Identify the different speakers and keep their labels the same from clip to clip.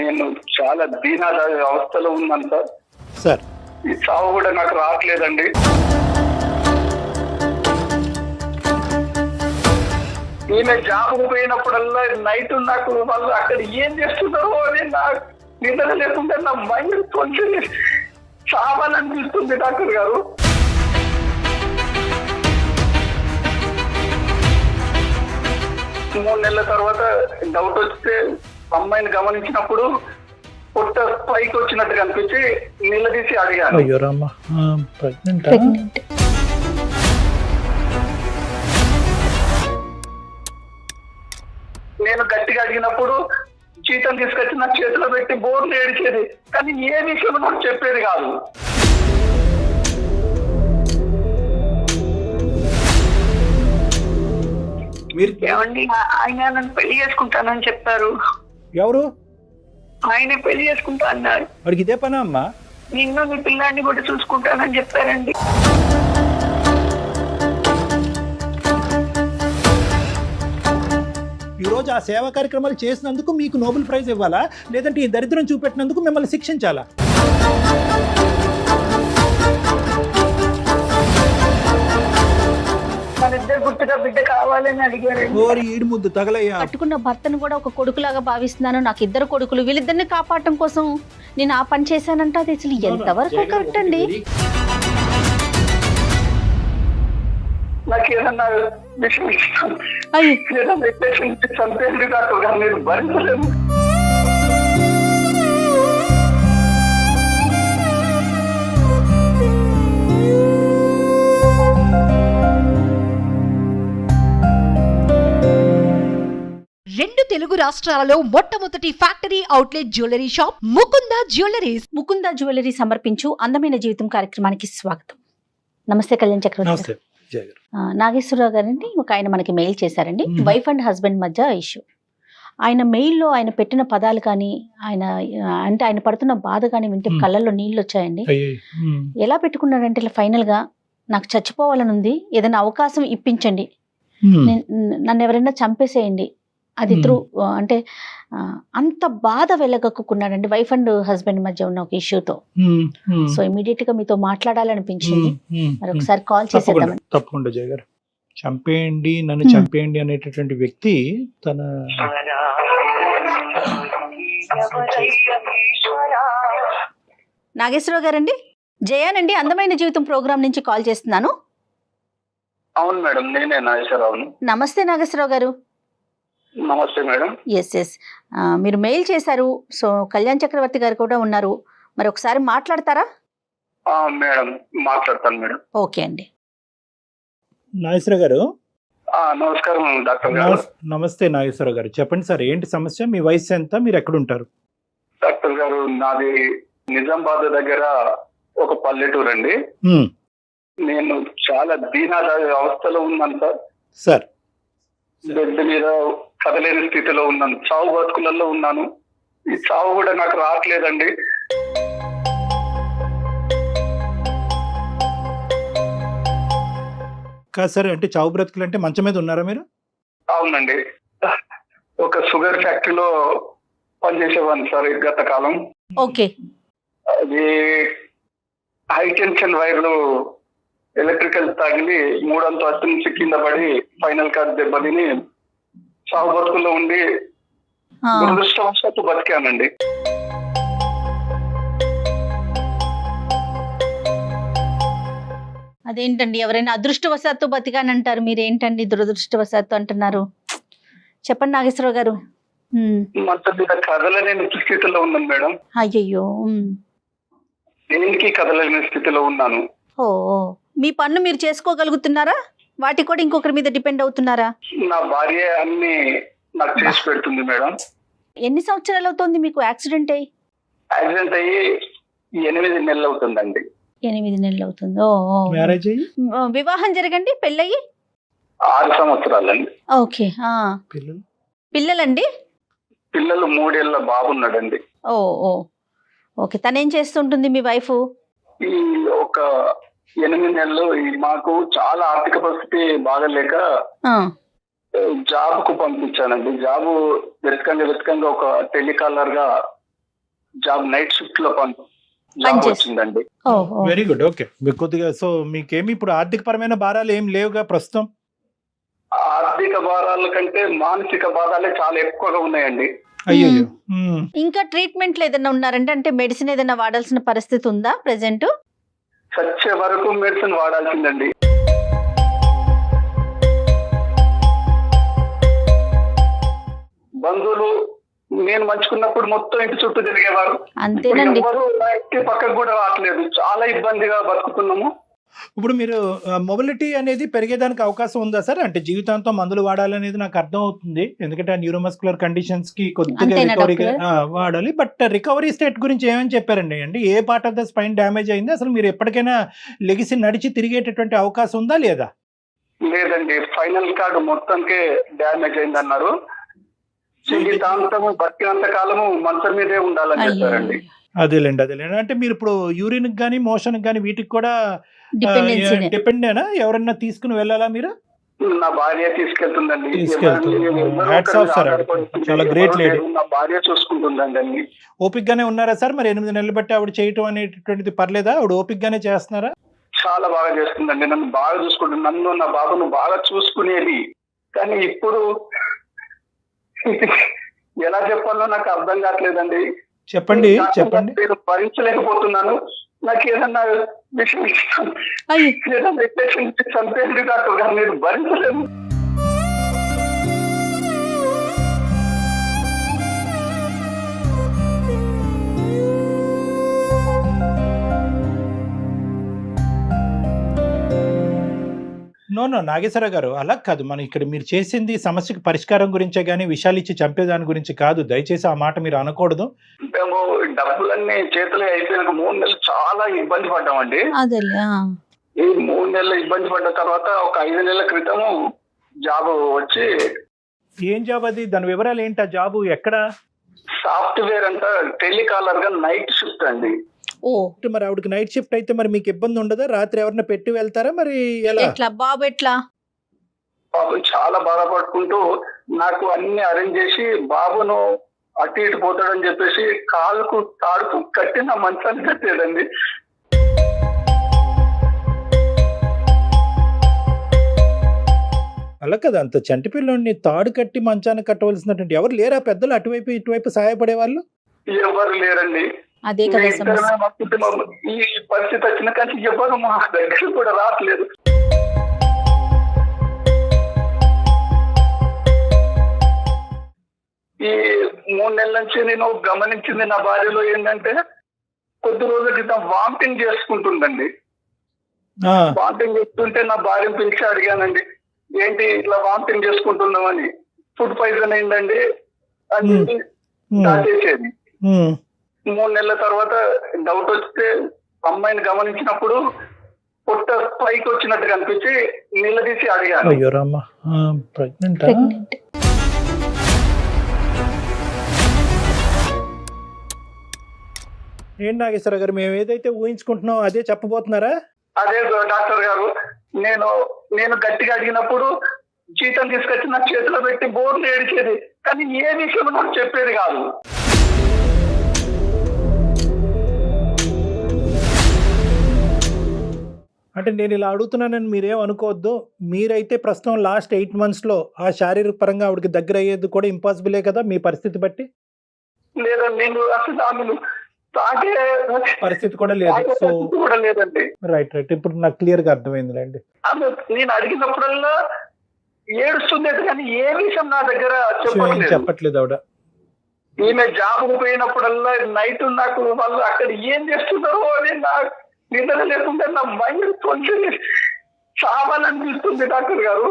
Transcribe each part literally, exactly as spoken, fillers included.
Speaker 1: నేను చాలా దీనాద అవస్థలో ఉన్నాను సార్.
Speaker 2: సార్
Speaker 1: ఈ చావు కూడా నాకు రావట్లేదండి. ఈమె జాబ్ పోయినప్పుడల్లా నైట్ నాకు వాళ్ళు అక్కడ ఏం చేస్తున్నారో అని నాకు నిద్ర లేకుండా నా మైండ్ కొంచెం చావాలనిపిస్తుంది డాక్టర్ గారు. మూడు నెలల తర్వాత డౌట్ వస్తే అమ్మాయిని గమనించినప్పుడు పొట్ట పైకి వచ్చినట్టు కనిపించి నిలదీసి అడిగాను.
Speaker 2: అయ్యో రామ్మా, ప్రెగ్నెంట్.
Speaker 1: నేను గట్టిగా అడిగినప్పుడు జీతం తీసుకొచ్చి నా చేతిలో పెట్టి బోర్లు ఏడిచేది, కానీ ఏ విషయం నాకు చెప్పేది కాదు.
Speaker 2: మీరు
Speaker 1: ఏమండి, ఆయన నన్ను పెళ్లి చేసుకుంటానని చెప్పారు.
Speaker 2: ఎవరు?
Speaker 1: ఆయన పెళ్లి చేసుకుంటా అన్నారు.
Speaker 2: వాడికి ఇదే పనా అమ్మా?
Speaker 1: నిన్ను నీ పిల్లాన్ని కూడా చూసుకుంటానని చెప్పారండి.
Speaker 2: ఈ రోజు ఆ సేవా కార్యక్రమాలు చేసినందుకు మీకు నోబెల్ ప్రైజ్ ఇవ్వాలా, లేదంటే ఈ దరిద్రం చూపెట్టినందుకు మిమ్మల్ని శిక్షించాలా?
Speaker 1: మనిద్దరు గుర్తుగా బిడ్డ కావాలని అడిగారు.
Speaker 2: ఓరి ఈడు ముద్దు తగలయ్యా.
Speaker 3: కట్టుకున్న భర్తను కూడా ఒక కొడుకులాగా భావిస్తున్నాను. నాకు ఇద్దరు కొడుకులు, వీళ్ళిద్దరిని కాపాడటం కోసం నేను ఆ పని చేశానంటే అది అసలు ఎంతవరకు కరెక్ట్ అండి?
Speaker 1: నాకు ఏదన్నా విషయం ఇస్తాను,
Speaker 3: అయ్యో
Speaker 1: ఏదన్నా చంపేది కాదు, నేను భరించలేము.
Speaker 4: రెండు తెలుగు రాష్ట్రాలలో మొట్టమొదటి factory outlet jewellery shop Mukunda jewelleries.
Speaker 3: Mukunda jewellery సమర్పించు అందమైన జీవితం కార్యక్రమానికి స్వాగతం. నమస్తే కళ్యాణ్ చక్రవర్తి గారు. నాగేశ్వరరావు గారండి, ఒక ఆయన మనకి మెయిల్ చేశారండి. వైఫ్ అండ్ హస్బెండ్ మధ్య ఇష్యూ. ఆయన మెయిల్లో ఆయన పెట్టిన పదాలు కానీ, ఆయన అంటే ఆయన పడుతున్న బాధ కానీ వింటే కళ్ళల్లో నీళ్ళు వచ్చాయండి. ఎలా పెట్టుకున్నాడంటే ఇలా ఫైనల్ గా, నాకు చచ్చిపోవాలని ఉంది, ఏదైనా అవకాశం ఇప్పించండి, నన్ను ఎవరైనా చంపేసేయండి, అది త్రూ అంటే అంత బాధ వెళ్ళగక్కున్నాడండి వైఫ్ అండ్ హస్బెండ్ మధ్య ఉన్న ఒక ఇష్యూతో. సో ఇమీడియట్ గా మీతో మాట్లాడాలనిపించింది, మరి ఒకసారి కాల్ చేసేద్దామని.
Speaker 2: తప్పకుండా జయ గారు, చంపేయండి నన్ను చంపేయండి అనేటటువంటి వ్యక్తి తన
Speaker 3: నాగేశ్వరరావు గారండి, జయానండి, అందమైన జీవితం ప్రోగ్రామ్ నుంచి కాల్ చేస్తున్నాను.
Speaker 1: అవును మేడం, నేనే నాగేశ్వరరావును.
Speaker 3: నమస్తే నాగేశ్వరరావు గారు.
Speaker 1: నమస్తే మేడం.
Speaker 3: ఎస్ ఎస్ మీరు మెయిల్ చేశారు, సో కళ్యాణ్ చక్రవర్తి గారు కూడా ఉన్నారు, మరి ఒకసారి మాట్లాడతారా?
Speaker 1: మేడం మాట్లాడతాను మేడం.
Speaker 3: ఓకే అండి.
Speaker 2: నాగేశ్వర గారు.
Speaker 1: నమస్కారం డాక్టర్ గారు.
Speaker 2: నమస్తే నాగేశ్వర గారు, చెప్పండి సార్, ఏంటి సమస్య? మీ వయసు ఎంత? మీరు ఎక్కడ ఉంటారు?
Speaker 1: డాక్టర్ గారు, నాది నిజామాబాద్ దగ్గర ఒక పల్లెటూరు అండి. నేను చాలా దీనాద అవస్థలో ఉన్నాను సార్.
Speaker 2: సార్
Speaker 1: బెడ్ మీద కదలేని స్థితిలో ఉన్నాను, చావు బతుకులలో ఉన్నాను. ఈ చావు కూడా నాకు రావట్లేదండి.
Speaker 2: కాదు సార్, అంటే చావు బ్రతుకులు అంటే మంచం మీద ఉన్నారా మీరు?
Speaker 1: అవునండి, ఒక షుగర్ ఫ్యాక్టరీలో పనిచేసేవాడిని సార్ గత కాలం.
Speaker 3: ఓకే.
Speaker 1: అది హై టెన్షన్ వైర్లు ఎలక్ట్రికల్ తగిలి మూడంతో అత్తి నుంచి కింద పడి ఫైనల్ కార్డ్ దెబ్బతిని చావు బతుకుల్లో ఉండి దురదృష్టవశాత్తు బతికానండి.
Speaker 3: అదేంటండి, ఎవరైనా అదృష్టవశాత్తు బతికానంటారు, మీరేంటండి దురదృష్టవశాత్తు అంటున్నారు? చెప్పండి నాగేశ్వరరావు గారు.
Speaker 1: మొత్తం మీద కదలలేని స్థితిలో ఉన్నాను మేడం.
Speaker 3: అయ్యయ్యో.
Speaker 1: దేనికి కదలలేని స్థితిలో ఉన్నాను.
Speaker 3: ఓ, మీ పన్ను మీరు చేసుకోగలుగుతున్నారా? వాటి కూడా ఇంకొకరి మీద డిపెండ్ అవుతున్నారా?
Speaker 1: నా భార్య అన్ని నాకు చేసి పెడుతుంది మేడం.
Speaker 3: ఎన్ని సంవత్సరాలు అవుతుంది మీకు యాక్సిడెంట్ అయ్యి?
Speaker 1: యాక్సిడెంట్ అయ్యి ఎనిమిది నెలలు అవుతుందండి.
Speaker 3: ఎనిమిది నెలలు అవుతుంది. ఓ,
Speaker 2: మ్యారేజ్ అయ్యి
Speaker 3: వివాహం జరగండి, పెళ్ళయి
Speaker 1: ఆరు సంవత్సరాలండి.
Speaker 3: ఓకే.
Speaker 2: పిల్లలు
Speaker 3: పిల్లలండి?
Speaker 1: పిల్లలు మూడేళ్ల బాబున్నాడండి.
Speaker 3: ఓ ఓ ఓకే. తనేం చేస్తుంటుంది మీ వైఫ్?
Speaker 1: ఈ ఒక ఎనిమిది నెలలు మాకు చాలా ఆర్థిక పరిస్థితి బాగలేక జాబ్ కు పంపించానండి. జాబ్ వెతకంగా వెతకంగా ఒక టెలికాలర్ గా జాబ్ నైట్ షిఫ్ట్ లో పని జాబ్
Speaker 3: పనిచేస్తా-
Speaker 1: వచ్చిందండి.
Speaker 3: ఓహో.
Speaker 2: Very good. ఓకే, మీకు కొద్దిగా సో మీకేమి ఇప్పుడు ఆర్థిక పరమైన భారాలు ఏం లేవుగా ప్రస్తుతం?
Speaker 1: ఆర్థిక భారాల కంటే మానసిక బాధాలే చాలా ఎక్కువగా ఉన్నాయండి.
Speaker 2: అయ్యో.
Speaker 3: ఇంకా ట్రీట్మెంట్లు ఏదైనా ఉన్నారంటే అంటే మెడిసిన్ ఏదైనా వాడాల్సిన పరిస్థితి ఉందా ప్రెసెంట్?
Speaker 1: చచ్చే వరకు మెడిసిన్ వాడాల్సిందండి. బంధువులు నేను మంచుకున్నప్పుడు మొత్తం ఇంటి చుట్టూ తిరిగేవారు.
Speaker 3: అంతేనండి.
Speaker 1: ఎవరు నా ఇంటి పక్కకు కూడా రావట్లేదు. చాలా ఇబ్బందిగా బతుకుతున్నాము.
Speaker 2: ఇప్పుడు మీరు మొబిలిటీ అనేది పెరిగేదానికి అవకాశం ఉందా సార్? అంటే జీవితాంతం మందులు వాడాలనేది నాకు అర్థం అవుతుంది, ఎందుకంటే ఆ న్యూరోమస్కులర్ కండిషన్స్ కి కొద్దిగా
Speaker 3: అంతేనా
Speaker 2: రికవరీ
Speaker 3: డాక్టర్?
Speaker 2: వాడాలి. బట్ రికవరీ స్టేట్ గురించి ఏమని చెప్పారండి? అంటే ఏ part of the spine damage అయింది, అసలు మీరు ఎప్పటికైనా లెగిసి నడిచి తిరిగేటటువంటి అవకాశం ఉందా లేదా?
Speaker 1: లేదండి, ఫైనల్ కార్డు మొత్తానికే డ్యామేజ్ అయింది అన్నారు. జీవితాంతము బతికినంత కాలము మంచం మీదే ఉండాలని చెప్పారండి.
Speaker 2: అదేలేండి అదేలేండి. అంటే మీరు ఇప్పుడు యూరిన్ కానీ మోషన్ కానీ వీటికి కూడా
Speaker 3: డిపెండెన్సీ.
Speaker 2: డిపెండేనా? ఎవరన్నా తీసుకుని వెళ్ళాలా మీరు?
Speaker 1: నా భార్య తీసుకెళ్తుందండి.
Speaker 2: తీసుకెళ్తుంది.
Speaker 1: ఎవరు- ఎవరు
Speaker 2: Hats
Speaker 1: ఒకరు
Speaker 2: off sir.
Speaker 1: ఆధారపడుతుంది.
Speaker 2: చాలా great
Speaker 1: ఎవరు
Speaker 2: lady.
Speaker 1: లేరు. నా భార్య చూసుకుంటుందండి అన్ని.
Speaker 2: ఓపిక్ గానే ఉన్నారా సార్? మరి ఎనిమిది నెలలు బట్టి ఆవిడ చేయటం అనేటటువంటిది పర్లేదా? ఆవిడ ఓపిక్ గానే చేస్తున్నారా?
Speaker 1: చాలా బాగా చేస్తుందండి. నన్ను బాగా చూసుకుంటుంది. నన్ను నా బాబును బాగా చూసుకునేది. కానీ ఇప్పుడు ఎలా చెప్పాలో నాకు అర్థం కావట్లేదండి.
Speaker 2: చెప్పండి చెప్పండి.
Speaker 1: నేను భరించలేకపోతున్నాను. నాకు ఏదన్నా విషయం ఇస్తాను,
Speaker 3: అయ్యో.
Speaker 1: ఏదన్నా ఇంజెక్షన్ చంపేది డాక్టర్ గారు, నేను భరించలేను.
Speaker 2: నో నో నాగేశ్వర గారు, అలా కాదు. మనం ఇక్కడ మీరు చేసింది సమస్యకి పరిష్కారం గురించే కానీ విషయాలు ఇచ్చి చంపేదాని గురించి కాదు. దయచేసి ఆ మాట మీరు అనకూడదు.
Speaker 1: మేము డబ్బులన్నీ చేతులు అయిపోయినాక మూడు నెలలు చాలా ఇబ్బంది పడ్డామండి.
Speaker 3: అదేలే. ఆ.
Speaker 1: ఈ మూడు నెలలు ఇబ్బంది పడ్డ తర్వాత ఒక ఐదు నెలల క్రితము జాబ్ వచ్చి,
Speaker 2: ఏం జాబ్ అది? దాని వివరాలు ఏంటి? ఆ జాబు ఎక్కడ?
Speaker 1: సాఫ్ట్వేర్ అంతా టెలికాలర్ గా నైట్ షిఫ్ట్ అండి.
Speaker 3: ఓ.
Speaker 2: అంటే మరి ఆవిడకి నైట్ షిఫ్ట్ అయితే మరి మీకు ఇబ్బంది ఉండదా? రాత్రి ఎవరన్నా పెట్టి వెళ్తారా మరి ఎలా?
Speaker 3: ఎట్లా బాబు ఎట్లా?
Speaker 1: పాపం చాలా బాధపడుకుంటూ నాకు అన్ని అరేంజ్ చేసి బాబును అటు ఇటు పోతాడని చెప్పేసి కాలుకు తాడుకు కట్టి నా మంచాన్ని కట్టేదండి.
Speaker 2: అలా కదా, అంత చంటి పిల్లోడిని తాడు కట్టి మంచాన్ని కట్టవలసినటువంటి ఎవరు లేరా పెద్దలు అటువైపు ఇటువైపు సహాయపడే వాళ్ళు?
Speaker 1: ఎవరు లేరండి.
Speaker 3: అదే కదా
Speaker 1: మీ ఇద్దరమే
Speaker 3: సమస్య.
Speaker 1: మా కుటుంబం. ఈ పరిస్థితి వచ్చిన కానీ ఎవరు మా దగ్గర కూడా రావట్లేదు. ఈ మూడు నెలల నుంచి నేను గమనించింది నా భార్యలో ఏంటంటే, కొద్ది రోజుల క్రితం వామిటింగ్ చేసుకుంటుందండి.
Speaker 2: ఆ,
Speaker 1: వామిటింగ్ చేస్తుంటే నా భార్యను పిలిచి అడిగానండి, ఏంటి ఇట్లా వామిటింగ్ చేసుకుంటున్నామని. ఫుడ్ పాయిజన్ అయిందండి అని చెప్పి
Speaker 2: ఉమ్,
Speaker 1: దాచేసేది.
Speaker 2: ఉమ్.
Speaker 1: మూడు నెలల తర్వాత డౌట్ వస్తే అమ్మాయిని గమనించినప్పుడు పొట్ట పైకి వచ్చినట్టు కనిపించి నిలదీసి అడిగాను.
Speaker 2: అయ్యో రామ్మ, ప్రెగ్నెంట్?
Speaker 3: ప్రెగ్నెంట్.
Speaker 2: ఏంటి నాగేశ్వర గారు, మేము ఏదైతే ఊహించుకుంటున్నాం అదే చెప్పబోతున్నారా?
Speaker 1: అదే డాక్టర్ గారు, నేను నేను గట్టిగా అడిగినప్పుడు జీతం తీసుకొచ్చి నా చేతిలో పెట్టి బోర్లు ఏడిచేది, కానీ ఏ విషయం నాకు చెప్పేది కాదు.
Speaker 2: అంటే నేను ఇలా అడుగుతున్నానని మీరేం అనుకోవద్దు. మీరైతే ప్రస్తుతం లాస్ట్ ఎయిట్ మంత్స్ లో ఆ శారీరక పరంగా ఆవిడకి దగ్గర అయ్యేది కూడా ఇంపాసిబులే కదా మీ పరిస్థితి బట్టి?
Speaker 1: లేదా నేను అసలు ఆమెను తాగే
Speaker 2: పరిస్థితి కూడా లేదు.
Speaker 1: తాగే
Speaker 2: సో
Speaker 1: పరిస్థితి కూడా లేదండి.
Speaker 2: రైట్ రైట్ ఇప్పుడు నాకు క్లియర్ గా అర్థమైందిలేండి.
Speaker 1: ఆమె నేను అడిగినప్పుడల్లా ఏడుస్తుంది కానీ ఏ విషయం నా దగ్గర
Speaker 2: ఏం
Speaker 1: చెప్పట్లేదు.
Speaker 2: చెప్పట్లేదు ఆవిడ.
Speaker 1: ఈమె జాబ్ పోయినప్పుడల్లా నైట్ నాకు వాళ్ళు అక్కడ ఏం చేస్తున్నారో అని నా నిద్ర లేకుండా నా మైండ్ కొంచెం చావాలనిపిస్తుంది డాక్టర్ గారు.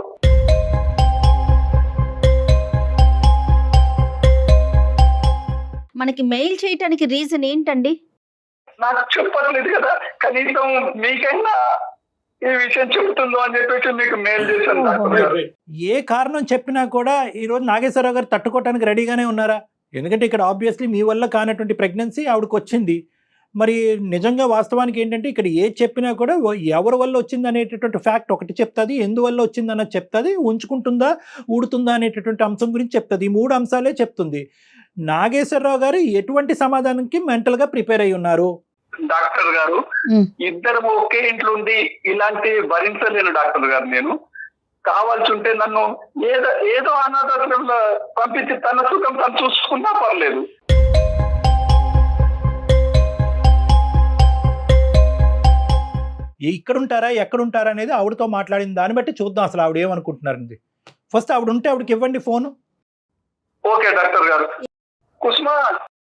Speaker 3: మనకి మెయిల్ చేయటానికి రీజన్ ఏంటండి?
Speaker 1: నాకు చెప్పట్లేదు కదా, కనీసం మీకైనా ఈ విషయం చెబుతుందో అని చెప్పేసి మీకు మెయిల్ చేశాను డాక్టర్ గారు.
Speaker 2: ఏ కారణం చెప్పినా కూడా ఈ రోజు నాగేశ్వరరావు గారు తట్టుకోవడానికి రెడీగానే ఉన్నారా? ఎందుకంటే ఇక్కడ ఆబ్వియస్లీ మీ వల్ల కానటువంటి ప్రెగ్నెన్సీ ఆవిడకి వచ్చింది. మరి నిజంగా వాస్తవానికి ఏంటంటే ఇక్కడ ఏ చెప్పినా కూడా ఎవరి వల్ల వచ్చింది అనేటటువంటి ఫ్యాక్ట్ ఒకటి చెప్తుంది, ఎందువల్ల వచ్చింది అన్నది చెప్తుంది, ఉంచుకుంటుందా ఊడుతుందా అనేటటువంటి అంశం గురించి చెప్తుంది. ఈ మూడు అంశాలే చెప్తుంది. నాగేశ్వరరావు గారు ఎటువంటి సమాధానానికి మెంటల్ గా ప్రిపేర్ అయి ఉన్నారు?
Speaker 1: డాక్టర్ గారు
Speaker 3: ఉమ్.
Speaker 1: ఇద్దరు ఒకే ఇంట్లో ఉండి ఇలాంటి భరించలేను డాక్టర్ గారు. నేను కావాల్సి ఉంటే నన్ను ఏదో ఏదో అనాథాశ్రమంలో పంపించి తన సుఖం తను చూసుకున్నా పర్లేదు.
Speaker 2: ఇక్కడ ఉంటారా ఎక్కడ ఉంటారా అనేది ఆవిడతో మాట్లాడిన దాన్ని బట్టి చూద్దాం అసలు ఆవిడ ఏమనుకుంటున్నారండి. ఫస్ట్ ఆవిడ ఉంటే ఆవిడకి ఇవ్వండి ఫోను.
Speaker 1: ఓకే డాక్టర్ గారు. కుసుమా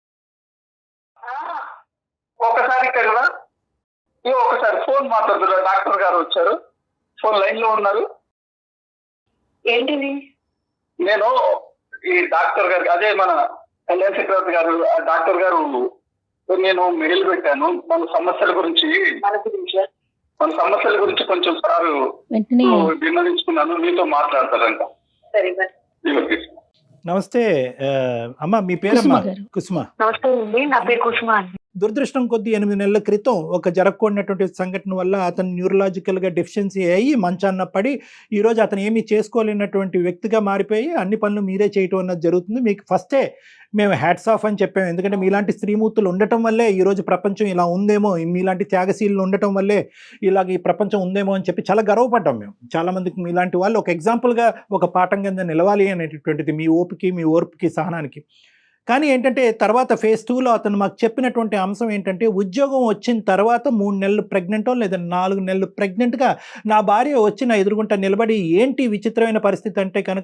Speaker 1: ఒకసారి ఇక్కడ రా. ఈ ఒకసారి ఫోన్ మాట్లాడుతున్నా. డాక్టర్ గారు వచ్చారు, ఫోన్ లైన్ లో ఉన్నారు.
Speaker 5: ఏంటిది?
Speaker 1: నేను ఈ డాక్టర్ గారికి అదే మన కళ్యాణ్ చక్రవర్తి గారు ఆ డాక్టర్ గారు నేను మెయిల్ పెట్టాను మన సమస్యల గురించి
Speaker 5: మన గురించా?
Speaker 1: మన సమస్యల గురించి కొంచెం సార్
Speaker 3: వెంటనే
Speaker 1: విన్నవించుకున్నాను, మీతో మాట్లాడతారంట.
Speaker 5: సరే మరి.
Speaker 1: ఇవ్వండి.
Speaker 2: నమస్తే ఆ, అమ్మ మీ పేరమ్మా?
Speaker 3: కుసుమ గారు.
Speaker 2: కుసుమ.
Speaker 5: నమస్తే అండి, నా పేరు కుసుమ అండి.
Speaker 2: దురదృష్టం కొద్ది ఎనిమిది నెలల క్రితం ఒక జరగకూడనటువంటి సంఘటన వల్ల అతను న్యూరలాజికల్గా డెఫిషియన్సీ అయ్యి మంచాన్న పడి ఈరోజు అతను ఏమీ చేసుకోలేనటువంటి వ్యక్తిగా మారిపోయి అన్ని పనులు మీరే చేయటం అన్నది జరుగుతుంది. మీకు ఫస్టే మేము హ్యాట్స్ ఆఫ్ అని చెప్పాము, ఎందుకంటే మీలాంటి స్త్రీమూర్తులు ఉండటం వల్లే ఈరోజు ప్రపంచం ఇలా ఉందేమో, మీలాంటి త్యాగశీలు ఉండటం వల్లే ఇలాగ ఈ ప్రపంచం ఉందేమో అని చెప్పి చాలా గర్వపడ్డాం మేము. చాలామందికి మీలాంటి వాళ్ళు ఒక ఎగ్జాంపుల్గా ఒక పాఠం కింద నిలవాలి అనేటటువంటిది మీ ఓపికి మీ ఓర్పుకి సహనానికి. కానీ ఏంటంటే తర్వాత ఫేజ్ టూలో అతను మాకు చెప్పినటువంటి అంశం ఏంటంటే ఉద్యోగం వచ్చిన తర్వాత మూడు నెలలు ప్రెగ్నెంటో లేదా నాలుగు నెలలు ప్రెగ్నెంట్గా నా భార్య వచ్చి నా ఎదురుగుంట నిలబడి ఏంటి విచిత్రమైన పరిస్థితి అంటే కనుక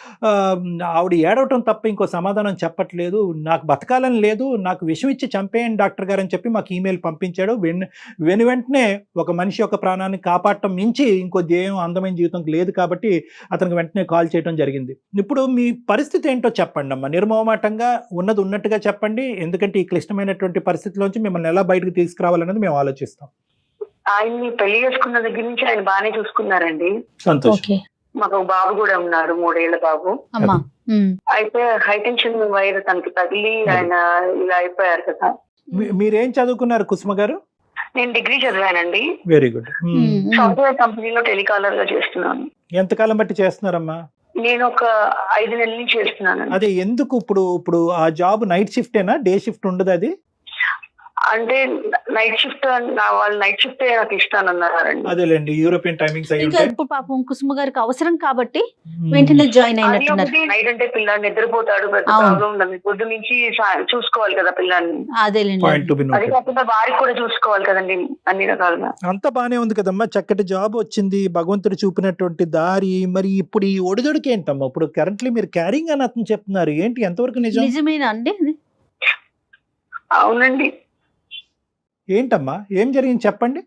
Speaker 2: ఆవిడ ఏడవటం తప్ప ఇంకో సమాధానం చెప్పట్లేదు, నాకు బతకాలని లేదు, నాకు విషం ఇచ్చి చంపేయండి డాక్టర్ గారు అని చెప్పి మాకు ఈమెయిల్ పంపించాడు. వెను వెను వెంటనే ఒక మనిషి యొక్క ప్రాణాన్ని కాపాడటం మించి ఇంకో ధ్యేయం అందమైన జీవితం లేదు కాబట్టి అతనికి వెంటనే కాల్ చేయడం జరిగింది. ఇప్పుడు మీ పరిస్థితి ఏంటో చెప్పండి అమ్మా, నిర్మోహమాటంగా ఉన్నది ఉన్నట్టుగా చెప్పండి, ఎందుకంటే ఈ క్లిష్టమైనటువంటి పరిస్థితిలోంచి మిమ్మల్ని ఎలా బయటకు తీసుకురావాలనేది మేము ఆలోచిస్తాం.
Speaker 5: ఆయన్ని పెళ్లి చేసుకున్న దగ్గర నుంచి ఆయన బాగానే చూసుకున్నారండి.
Speaker 2: సంతోషం.
Speaker 3: ఓకే
Speaker 5: మాకు ఒక బాబు కూడా ఉన్నారు, మూడేళ్ల బాబు.
Speaker 3: అమ్మా. ఉమ్.
Speaker 5: అయితే హై టెన్షన్ వైర్ తనకి తగిలి ఆయన ఇలా అయిపోయారు కదా.
Speaker 2: మీ- మీరేం చదువుకున్నారు కుసుమ గారు?
Speaker 5: నేను డిగ్రీ చదివానండి.
Speaker 2: Very good.
Speaker 3: Um. Um.
Speaker 5: Software కంపెనీలో టెలికాలర్ గా చేస్తున్నాను.
Speaker 2: ఎంతకాలం బట్టి చేస్తున్నారమ్మా?
Speaker 5: నేను ఒక ఐదు నెలల నుంచి చేస్తున్నాను.
Speaker 2: అదే ఎందుకు ఇప్పుడు ఇప్పుడు ఆ జాబ్ నైట్ షిఫ్టేనా, డే షిఫ్ట్ ఉండదు? అది
Speaker 5: అంటే నైట్ షిఫ్ట్ వాళ్ళు నైట్ షిఫ్ట్ నాకు ఇష్టానన్నారండి.
Speaker 2: అదేలేండి, యూరోపియన్ టైమింగ్స్ అయి
Speaker 3: ఇంకా
Speaker 2: ఉంటాయి.
Speaker 3: ఇప్పుడు పాపం కుసుమ గారికి అవసరం కాబట్టి వెంటనే జాయిన్
Speaker 5: అది
Speaker 3: అయినట్టున్నారు.
Speaker 5: ఒకటి నైట్ అంటే పిల్లాన్ని నిద్రపోతాడు, పెద్ద
Speaker 3: అవును.
Speaker 5: ప్రాబ్లం ఉండదు. పొద్దు నుంచి సా- చూసుకోవాలి కదా పిల్లాన్ని.
Speaker 3: అదేలేండి.
Speaker 2: పాయింట్ టు బి
Speaker 5: అది
Speaker 2: నోటెడ్.
Speaker 5: కాకుండా వారికి కూడా చూసుకోవాలి కదండి అన్ని రకాలుగా.
Speaker 2: అంతా బానే ఉంది కదమ్మా, చక్కటి జాబ్ వచ్చింది, భగవంతుడు చూపినటువంటి దారి. మరి ఇప్పుడు ఈ ఒడిదొడికి ఏంటమ్మా? ఇప్పుడు కరెంట్లీ మీరు క్యారింగ్ అని అతను చెప్తున్నారు, ఏంటి ఎంతవరకు నిజం?
Speaker 3: నిజమేనా అండి?
Speaker 5: అవునండి.
Speaker 2: ఏంటమ్మా ఏం జరిగింది చెప్పండి.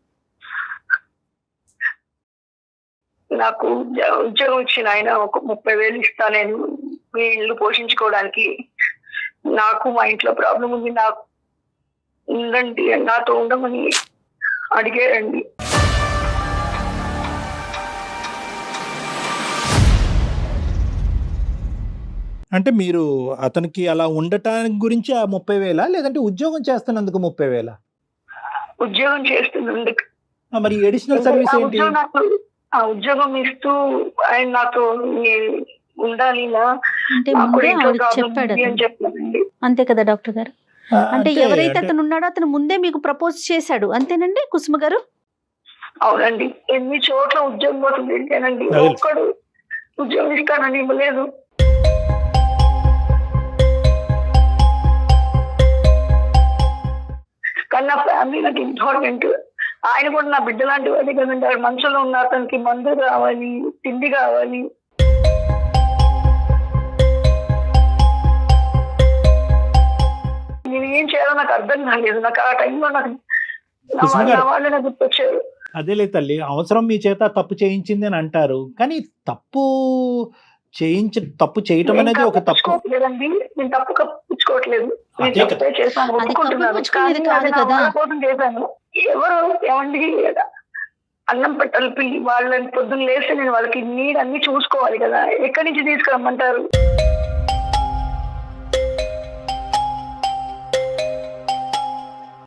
Speaker 5: నాకు ఉద్య- ఉద్యోగం ఇచ్చిన ఆయన ఒక ముప్పై వేలు ఇస్తా నేను మీ ఇల్లు పోషించుకోవడానికి. నాకు మా ఇంట్లో ప్రాబ్లం ఉంది, నాకు ఉండండి నాతో ఉండమని అడిగారండి.
Speaker 2: అంటే మీరు అతనికి అలా ఉండటానికి గురించి ఆ ముప్పై వేలా లేదంటే ఉద్యోగం చేస్తున్నందుకు ముప్పై వేలా?
Speaker 5: ఉద్యోగం చేస్తున్నందుకు.
Speaker 2: ఆ, మరి అడిషనల్ సర్వీస్
Speaker 5: ఆ
Speaker 2: ఏంటి?
Speaker 5: ఉద్యోగం నాకు ఆ ఉద్యోగం ఇస్తూ ఆయన నాతో నీ- ఉండాలి ఇలా
Speaker 3: అంటే
Speaker 5: నాకు
Speaker 3: ముందే
Speaker 5: ఇంట్లో
Speaker 3: ఆవిడ
Speaker 5: ప్రాబ్లం
Speaker 3: చెప్పాడు
Speaker 5: ఉంది అని
Speaker 3: అతను.
Speaker 5: చెప్పానండి.
Speaker 3: అంతే కదా డాక్టర్ గారు?
Speaker 2: ఆ,
Speaker 3: అంటే
Speaker 2: అంతే,
Speaker 3: ఎవరైతే
Speaker 2: అంటే-
Speaker 3: అతను ఉన్నాడో అతను ముందే మీకు ప్రపోజ్ చేశాడు అంతేనండి కుసుమ గారు?
Speaker 5: అవునండి. ఎన్ని చోట్ల ఉద్యోగం కోసం తిరిగానండి,
Speaker 2: అదే.
Speaker 5: ఒక్కడు ఉద్యోగం ఇస్తానని ఇవ్వలేదు. కానీ నా ఫ్యామిలీ నాకు ఇంపార్టెంట్. ఆయన కూడా నా బిడ్డ లాంటి వాడే కదండి. ఆవిడ మనసులో ఉన్న అతనికి మందు కావాలి, తిండి కావాలి. నేను ఏం చేయాలో నాకు అర్థం కాలేదు. నాకు ఆ టైంలో నాకు నా
Speaker 2: కుసుమ
Speaker 5: వాళ్ళ-
Speaker 2: గారు.
Speaker 5: నా వాళ్ళే నాకు గుర్తొచ్చారు.
Speaker 2: అదేలే తల్లి, అవసరం మీ చేత తప్పు చేయించింది అని అంటారు, కానీ తప్పు చేయించి తప్పు చేయటం
Speaker 5: నేను
Speaker 2: అనేది ఒక తప్పు.
Speaker 5: కప్పించుకోవట్లేదండి. నేను తప్పు కప్పించుకోవట్లేదు. నేను
Speaker 2: అదే కదా.
Speaker 5: తప్పే చేశాను,
Speaker 3: అది
Speaker 5: ఒప్పుకుంటున్నాను.
Speaker 3: కప్పించుకునేది
Speaker 5: కానీ
Speaker 3: కాదు
Speaker 5: అది నా
Speaker 3: కదా.
Speaker 5: వాళ్ళ కోసం చేశాను. ఎవరు ఏమండి అన్నం పెట్టాలి పిల్లి వాళ్ళని పొద్దున్న లేస్తే నేను వాళ్ళకి నీడ్ అన్ని చూసుకోవాలి కదా. ఎక్కడి నుంచి తీసుకురమ్మంటారు?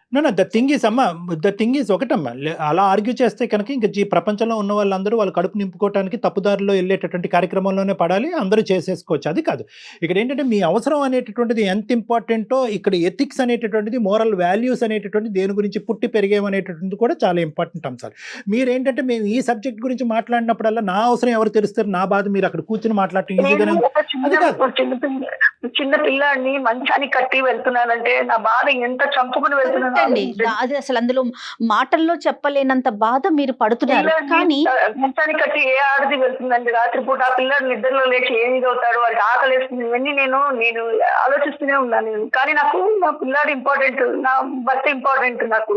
Speaker 2: నా ద థింగ్ ఈస్ అమ్మా ద థింగ్ ఈస్ ఒకటమ్మా లే- అలా ఆర్గ్యూ చేస్తే కనుక ఇంకా ఈ ప్రపంచంలో ఉన్న వాళ్ళందరూ వాళ్ళ కడుపు నింపుకోవడానికి తప్పుదారిలో వెళ్ళేటటువంటి కార్యక్రమంలోనే పడాలి, అందరూ చేసేసుకోవచ్చు. అది కాదు ఇక్కడ ఏంటంటే మీ అవసరం అనేటటువంటిది ఎంత ఇంపార్టెంటో ఇక్కడ ఎథిక్స్ అనేటటువంటిది, మోరల్ వాల్యూస్ అనేటటువంటిది, దేని గురించి పుట్టి పెరిగేమనేటటువంటిది కూడా చాలా ఇంపార్టెంట్ అంశాలు. మీరేంటంటే మేము ఈ సబ్జెక్ట్ గురించి మాట్లాడినప్పుడల్లా నా అవసరం ఎవరు తెలుస్తారు, నా బాధ మీరు అక్కడ కూర్చొని మాట్లాడటం ఈజీగానే
Speaker 5: నేను
Speaker 2: ఉంది.
Speaker 5: ఒక
Speaker 2: అది
Speaker 5: చిన్న
Speaker 2: కాదు.
Speaker 5: చిన్న పిల్ల చిన్న పిల్లాడిని మంచానికి కట్టి వెళ్తున్నానంటే నా బాధ ఎంత చంపుకుని వెళ్తున్నాను
Speaker 3: అండి అది అసలు అందులో మాటల్లో చెప్పలేనంత బాధ మీరు పడుతున్నారు. కానీ
Speaker 5: మంచానికి కట్టి ఏ ఆడది వెళ్తుందండి రాత్రిపూట? ఆ పిల్లాడు నిద్రలో లేచి ఏమి అవుతాడు, వాడికి ఆకలి వేస్తుంది, ఇవన్నీ నేను నేను ఆలోచిస్తూనే ఉన్నాను. కానీ నాకు నా పిల్లాడు ఇంపార్టెంట్, నా భర్త ఇంపార్టెంట్ నాకు.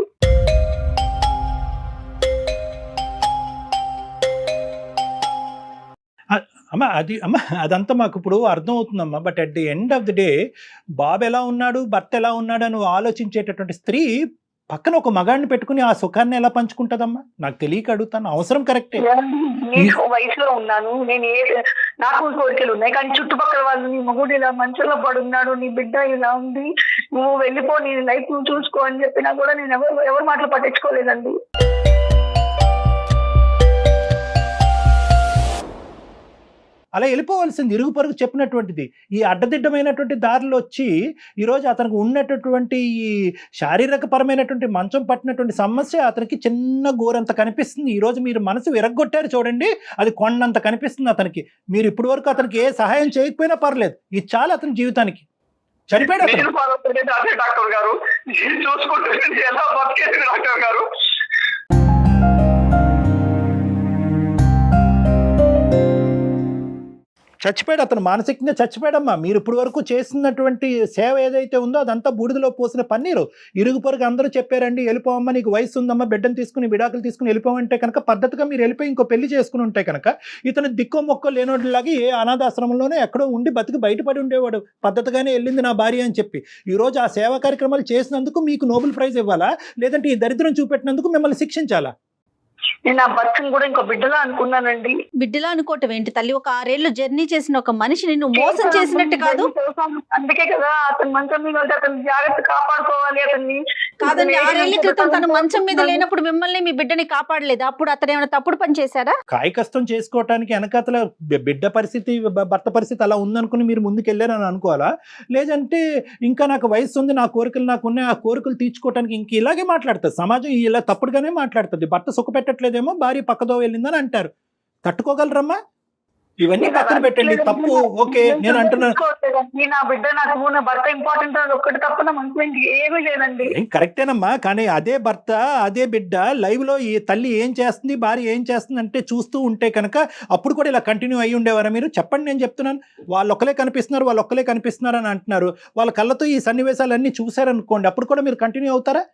Speaker 2: అమ్మ అది అమ్మ అదంతా మాకు ఇప్పుడు అర్థం అవుతుందమ్మా. But at the end of the day బాబు ఎలా ఉన్నాడు, భర్త ఎలా ఉన్నాడు అని ఆలోచించేటటువంటి స్త్రీ పక్కన ఒక మగాడిని పెట్టుకుని ఆ సుఖాన్ని ఎలా పంచుకుంటుందమ్మా? నాకు తెలియక అడుగుతాను. అవసరం కరెక్టే.
Speaker 5: నేను వయసులో ఉన్నాను, నేను ఏ నాకు కోరికలు ఉన్నాయి, కానీ చుట్టుపక్కల వాళ్ళు నీ మొగుడు ఇలా మంచంలో పడున్నాడు, నీ బిడ్డ ఇలా ఉంది, నువ్వు వెళ్ళిపో, నీ లైఫ్ నువ్వు చూసుకో అని చెప్పినా కూడా నేను ఎవరు ఎవరు మాటలు పట్టించుకోలేదండి.
Speaker 2: అలా వెళ్ళిపోవాల్సింది ఇరుగు పొరుగు చెప్పినటువంటిది. ఈ అడ్డదిడ్డమైనటువంటి దారిలో వచ్చి ఈరోజు అతనికి ఉన్నటువంటి ఈ శారీరక పరమైనటువంటి మంచం పట్టినటువంటి సమస్య అతనికి చిన్న గోరంత కనిపిస్తుంది. ఈరోజు మీరు మనసు విరగ్గొట్టారు చూడండి, అది కొండంత కనిపిస్తుంది అతనికి. మీరు ఇప్పటి వరకు అతనికి ఏ సహాయం చేయకపోయినా పర్లేదు, ఇది చాలు అతని జీవితానికి. చనిపోయాడు అతను.
Speaker 1: నేను బాధపడేది అదే డాక్టర్ గారు, నేను చూసుకుంటే ఎలా బతికేది డాక్టర్ గారు.
Speaker 2: చచ్చిపోయాడు అతను, మానసికంగా చచ్చిపోయాడమ్మా. మీరు ఇప్పుడు వరకు చేసినటువంటి సేవ ఏదైతే ఉందో అదంతా బూడిదలో పోసిన పన్నీరు. ఇరుగు పొరుగు అందరూ చెప్పారండి వెళ్ళిపోవమ్మా, నీకు వయసు ఉందమ్మా, బిడ్డను తీసుకుని విడాకులు తీసుకుని వెళ్ళిపోమంటే కనుక పద్ధతిగా మీరు వెళ్ళిపోయి ఇంకో పెళ్లి చేసుకుని ఉంటే కనుక ఇతను దిక్కో మొక్కో లేనోడిలాగా ఏ అనాథాశ్రమంలోనే ఎక్కడో ఉండి బతికి బయటపడి ఉండేవాడు. పద్ధతిగానే వెళ్ళింది నా భార్య అని చెప్పి. ఈరోజు ఆ సేవా కార్యక్రమాలు చేసినందుకు మీకు నోబెల్ ప్రైజ్ ఇవ్వాలా, లేదంటే ఈ దరిద్రం చూపెట్టినందుకు మిమ్మల్ని శిక్షించాలా?
Speaker 5: నేను నా భర్తను కూడా ఇంకో బిడ్డలా అనుకున్నానండి.
Speaker 3: బిడ్డలా అనుకోవటం ఏంటి తల్లి? ఒక ఆరేళ్లు జర్నీ చేసిన ఒక మనిషిని నువ్వు మోసం చేసినట్టు కాదు.
Speaker 5: అందుకే కదా అతను మంచం మీద ఉంటే అతను జాగ్రత్త కాపాడుకోవాలి అతన్ని.
Speaker 3: కాదండి, ఆరేళ్ల క్రితం తను మంచం మీద లేనప్పుడు మిమ్మల్ని మీ బిడ్డని కాపాడలేదు, అప్పుడు అతను ఏమైనా తప్పుడు పని చేశారా?
Speaker 2: కాయకష్టం చేసుకోవటానికి వెనకాతల బిడ్డ పరిస్థితి భర్త పరిస్థితి అలా ఉందనుకుని మీరు ముందుకు వెళ్ళారని అనుకోవాలా? లేదంటే ఇంకా నాకు వయసు ఉంది, నా కోరికలు నాకు ఉన్నాయి, ఆ కోరికలు తీర్చుకోవటానికి ఇంక ఇలాగే మాట్లాడుతుంది సమాజం. ఇలా తప్పుడుగానే మాట్లాడుతుంది. భర్త సుఖ పెట్టట్లేదేమో, భార్య పక్కదో వెళ్ళిందని అంటారు. తట్టుకోగలరమ్మా? ఇవన్నీ పక్కన పెట్టండి. తప్పు ఓకే నేను అంటున్నాను,
Speaker 5: నా బిడ్డ నాకు నా భర్త ఇంపార్టెంట్ అని ఒక్కటి తప్ప నా మనసులో ఏమీ లేదండి.
Speaker 2: కరెక్టేనమ్మా. కానీ అదే భర్త అదే బిడ్డ లైవ్ లో ఈ తల్లి ఏం చేస్తుంది, భార్య ఏం చేస్తుంది అంటే చూస్తూ ఉంటే కనుక అప్పుడు కూడా ఇలా కంటిన్యూ అయ్యి ఉండేవారా మీరు? చెప్పండి, నేను చెప్తున్నాను. వాళ్ళు ఒక్కలే కనిపిస్తున్నారు, వాళ్ళు ఒక్కలే కనిపిస్తున్నారు అని అంటున్నారు. వాళ్ళ కళ్ళతో ఈ సన్నివేశాలన్నీ చూసారనుకోండి, అప్పుడు కూడా మీరు కంటిన్యూ అవుతారా?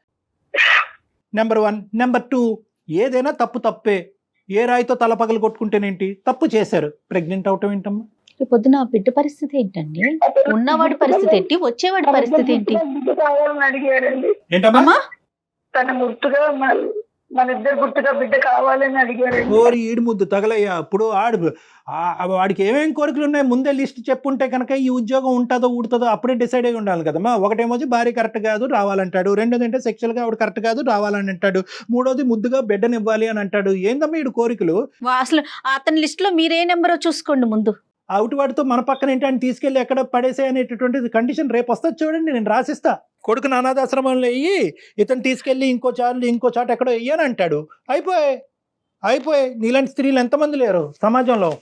Speaker 2: Number one. నెంబర్ టూ, ఏదైనా తప్పు తప్పే. ఏ రాయితో తల పగలు కొట్టుకుంటేనేంటి, తప్పు చేశారు, ప్రెగ్నెంట్ అవటం ఏంటమ్మా?
Speaker 3: పొద్దున బిడ్డ పరిస్థితి ఏంటండి? ఉన్నవాడి పరిస్థితి ఏంటి, వచ్చేవాడి పరిస్థితి ఏంటి?
Speaker 5: బిడ్డ కావాలని అడిగారండి.
Speaker 2: ఏంటమ్మా?
Speaker 5: తన గుర్తుగా మన ఇద్దరు గుర్తుగా బిడ్డ కావాలని అడిగారండి.
Speaker 2: ఓరి ఈడు ముద్దు తగలయ్యా. ఇప్పుడు ఆడు వాడికి ఏమేమి కోరికలు ఉన్నాయి ముందే లిస్ట్ చెప్పుంటే కనుక ఈ ఉద్యోగం ఉంటుందో ఊడుతుందో అప్పుడే డిసైడ్ అయి ఉండాలి కదమ్మా. ఒకటేమో భార్య కరెక్ట్ కాదు రావాలంటాడు, రెండోది అంటే సెక్షువల్గా ఆవిడ కరెక్ట్ కాదు రావాలని అంటాడు, మూడోది ముద్దుగా బిడ్డనివ్వాలి అని అంటాడు. ఏందమ్మా ఈడు కోరికలు?
Speaker 3: అసలు అతని లిస్ట్ లో మీరే నెంబరో చూసుకోండి ముందు.
Speaker 2: అవుట్ వాడితో మన పక్కన ఏంటి అని తీసుకెళ్ళి ఎక్కడ పడేసే అనేటటువంటి కండిషన్ రేపు వస్తుంది చూడండి, నేను రాసిస్తా. కొడుకుని అనాథాశ్రమంలో వెయ్యి, ఇతను తీసుకెళ్ళి ఇంకో చాలు ఇంకో చాటు ఎక్కడో వెయ్యని అంటాడు. అయిపోయి అయిపోయి నీలాంటి స్త్రీలు ఎంతమంది లేరు సమాజంలో?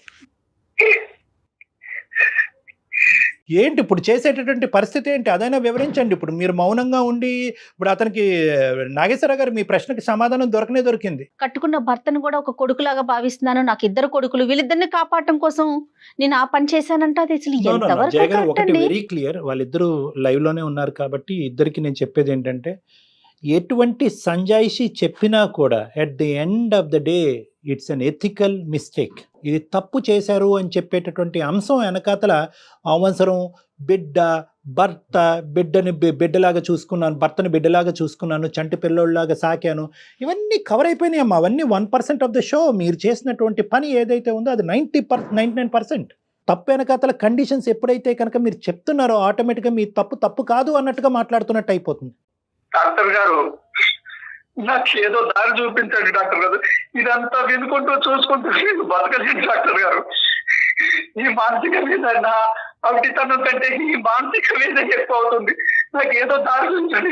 Speaker 2: ఏంటి ఇప్పుడు చేసేటటువంటి పరిస్థితి ఏంటి అదైనా వివరించండి. ఇప్పుడు మీరు మౌనంగా ఉండి ఇప్పుడు అతనికి నాగేశ్వర గారు మీ ప్రశ్నకి సమాధానం దొరకనే దొరికింది.
Speaker 3: కట్టుకున్న భర్తను కూడా ఒక కొడుకులాగా భావిస్తున్నాను, నాకు ఇద్దరు కొడుకులు, వీళ్ళిద్దరిని కాపాడటం కోసం నేను ఆ పని చేశానంటే అది అసలు ఎంతవరకు?
Speaker 2: ఒకటి వెరీ క్లియర్, వాళ్ళిద్దరూ లైవ్ లోనే ఉన్నారు కాబట్టి ఇద్దరికి నేను చెప్పేది ఏంటంటే ఎటువంటి సంజాయిషి చెప్పినా కూడా at the end of the day it's unethical mistake. ఇది తప్పు చేశారు అని చెప్పేటటువంటి అంశం వెనకాతల అవసరం బిడ్డ భర్త బిడ్డని బిడ్డలాగా చూసుకున్నాను, భర్తని బిడ్డలాగా చూసుకున్నాను, చంటి పిల్లోళ్ళలాగా సాకాను, ఇవన్నీ కవర్ అయిపోయినాయి అమ్మా. అవన్నీ one percent of the show. మీరు చేసినటువంటి పని ఏదైతే ఉందో అది ninety per ninety nine percent తప్పు వెనకాతల కండిషన్స్ ఎప్పుడైతే కనుక మీరు చెప్తున్నారో ఆటోమేటిక్గా మీ తప్పు తప్పు కాదు అన్నట్టుగా మాట్లాడుతున్నట్టు అయిపోతుంది.
Speaker 1: డాక్టర్ గారు నాకు ఏదో దారి చూపించండి డాక్టర్ గారు, ఇదంతా వినుకుంటూ చూసుకుంటూ నేను బతకలేను డాక్టర్ గారు. ఈ మానసిక వేదన నా అవిటితనం కంటే ఈ మానసిక వేదన ఎక్కువ అవుతుంది, నాకు ఏదో దారి చూపించండి.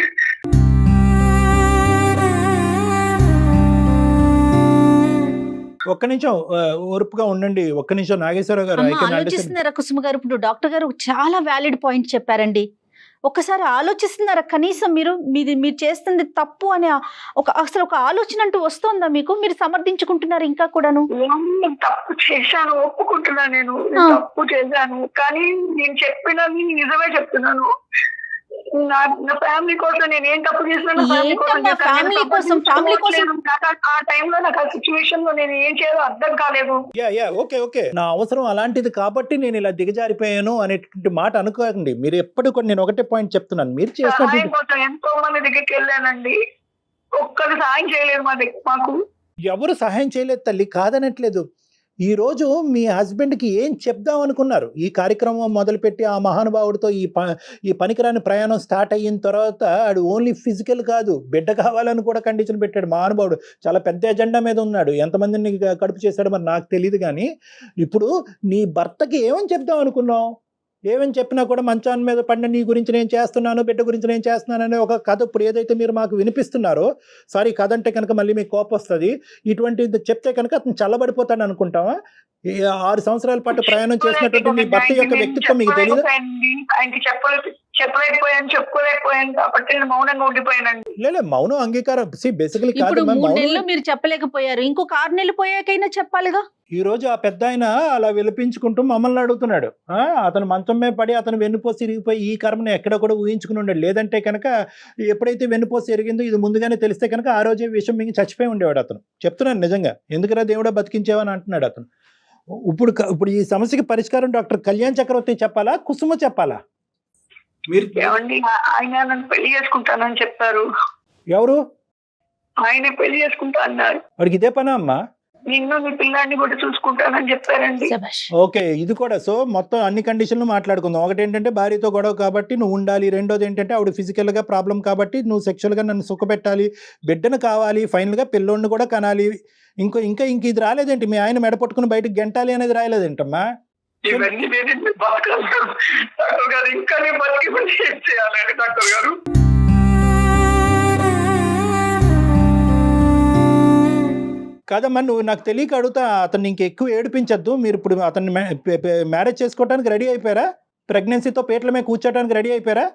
Speaker 2: ఒక్క నిమిషం ఆ, ఓర్పుగా ఉండండి. ఒక్క నిమిషం నాగేశ్వరరావు గారు. I
Speaker 3: అమ్మ
Speaker 2: can understand.
Speaker 3: ఆలోచిస్తున్నారా కుసుమ గారు? ఇప్పుడు డాక్టర్ గారు చాలా వ్యాలిడ్ పాయింట్ చెప్పారండి. ఒక్కసారి ఆలోచిస్తున్నారా కనీసం మీరు మీది మీరు చేస్తుంది తప్పు అనే ఒక అసలు ఒక ఆలోచన అంటూ వస్తుందా మీకు? మీరు సమర్థించుకుంటున్నారు ఇంకా కూడాను.
Speaker 5: నేను తప్పు చేశాను, ఒప్పుకుంటున్నాను, నేను
Speaker 3: ఆ.
Speaker 5: తప్పు చేశాను, కానీ నేను చెప్పినది నిజమే చెప్తున్నాను. నా నా ఫ్యామిలీ కోసం నేను ఏం తప్పు చేసినా
Speaker 3: ఏంటమ్మా ఫ్యామిలీ కోసం ఫ్యామిలీ కోసం
Speaker 5: ఆ టైంలో నాకు ఆ సిచ్యువేషన్ లో నేను ఏం చేయాలో అర్థం కాలేదు.
Speaker 2: యా యా ఓకే ఓకే నా అవసరం అలాంటిది కాబట్టి నేను ఇలా దిగజారిపోయాను అనేటువంటి మాట అనుకోకండి. మీరు ఎప్పుడు కూడా నేను ఒకటే పాయింట్ చెప్తున్నాను, మీరు
Speaker 5: సహాయం
Speaker 2: చేసినటువంటి
Speaker 5: కోసం ఎంతో మంది దగ్గరికి వెళ్ళానండి, ఒక్కరు సహాయం చేయలేదు మా దగ్గర మాకు.
Speaker 2: ఎవరు సహాయం చేయలేదు తల్లి, కాదనట్లేదు. ఈ రోజు మీ హస్బెండ్కి ఏం చెప్దాం అనుకున్నారు? ఈ కార్యక్రమం మొదలుపెట్టి ఆ మహానుభావుడితో ఈ ప ఈ పనికిరాని ప్రయాణం స్టార్ట్ అయిన తర్వాత ఆడు ఓన్లీ ఫిజికల్ కాదు, బిడ్డ కావాలని కూడా కండిషన్ పెట్టాడు మహానుభావుడు. చాలా పెద్ద ఎజెండా మీద ఉన్నాడు. ఎంతమందిని కడుపు చేశాడో మరి నాకు తెలియదు. కానీ ఇప్పుడు నీ భర్తకి ఏమని చెప్దాం అనుకున్నావు? ఏమని చెప్పినా కూడా మంచాన్ని మీద పడిన నీ గురించి నేను చేస్తున్నాను, బిడ్డ గురించి నేను చేస్తున్నాను అనే ఒక కథ ఇప్పుడు ఏదైతే మీరు మాకు వినిపిస్తున్నారో, సారీ కథ అంటే కనుక మళ్ళీ మీకు కోపం వస్తుంది, ఇటువంటిది చెప్తే కనుక అతను చల్లబడిపోతాడు అనుకుంటావా? ఈ ఆరు సంవత్సరాల పాటు ప్రయాణం చేసినటువంటి మీ భర్త యొక్క వ్యక్తిత్వం మీకు తెలియదు?
Speaker 5: ఆయనకి చెప్పలేదు, చెప్పలేకపోయాను, చెప్పుకోలేకపోయాను కాబట్టి నేను మౌనంగా ఉండిపోయానండి.
Speaker 2: లేదు మౌనం అంగీకారం బేసికలీ కాదు.
Speaker 3: ఇప్పుడు మూడు
Speaker 2: మౌనం
Speaker 3: నెలలు మీరు చెప్పలేకపోయారు, ఇంకొక ఆరు నెలలు పోయాకైనా చెప్పాలిగా.
Speaker 2: ఈ రోజు ఆ పెద్ద ఆయన అలా విలిపించుకుంటూ మమ్మల్ని అడుగుతున్నాడు. ఆ, అతను మంచం మీద పడి అతను వెన్నుపోసి ఇరిగిపోయి ఈ కర్మను ఎక్కడ కూడా ఊహించుకుని ఉండాడు. లేదంటే కనుక ఎప్పుడైతే వెన్నుపోసి ఎరిగిందో ఇది ముందుగానే తెలిస్తే కనుక ఆ రోజే విషయం మింగి చచ్చిపోయి ఉండేవాడు అతను. చెప్తున్నాను నిజంగా, ఎందుకురా దేవుడా బతికించేవని అంటున్నాడు అతను. ఇప్పుడు క- ఇప్పుడు ఈ సమస్యకి పరిష్కారం డాక్టర్ కళ్యాణ్ చక్రవర్తి చెప్పాలా, కుసుమ చెప్పాలా? మీరు
Speaker 5: ఏమండి, ఆ- ఆయన నన్ను పెళ్లి చేసుకుంటానని చెప్పారు.
Speaker 2: ఎవరు?
Speaker 5: ఆయనే పెళ్లి చేసుకుంటా అన్నారు.
Speaker 2: వాడికి ఇదే పనా అమ్మా?
Speaker 5: నిన్ను నీ పిల్లాన్ని కూడా చూసుకుంటానని చెప్పారండి.
Speaker 3: శభాష్.
Speaker 2: ఓకే, ఇది కూడా. సో మొత్తం అన్ని కండిషన్లు మాట్లాడుకుందాం. ఒకటి ఏంటంటే భార్యతో గొడవ కాబట్టి నువ్వు ఉండాలి, రెండోది ఏంటంటే ఆవిడ ఫిజికల్గా ప్రాబ్లం కాబట్టి నువ్వు సెక్షువల్గా నన్ను సుఖపెట్టాలి, బిడ్డను కావాలి, ఫైనల్గా పిల్లోడిని కూడా కనాలి. ఇంకో ఇంకా ఇంక ఇది రాలేదేంటి? మీ ఆయన మెడపట్టుకుని బయటకు గెంటాలి అనేది రాలేదేంటమ్మా?
Speaker 5: ఇవన్నీ నేను బతకాలి డాక్టర్ గారు, ఇంకా నేను బతికి మళ్ళీ ఏం చేయాలి డాక్టర్ గారు?
Speaker 2: కాదమ్మా, నువ్వు నాకు తెలియక అడుగుతా, అతన్ని ఇంక ఎక్కువ ఏడిపించద్దు. మీరు ఇప్పుడు అతన్ని మ్యారేజ్ చేసుకోవడానికి రెడీ అయిపోయారా? ప్రెగ్నెన్సీతో పేట్ల మీద కూర్చోడానికి రెడీ అయిపోయారా?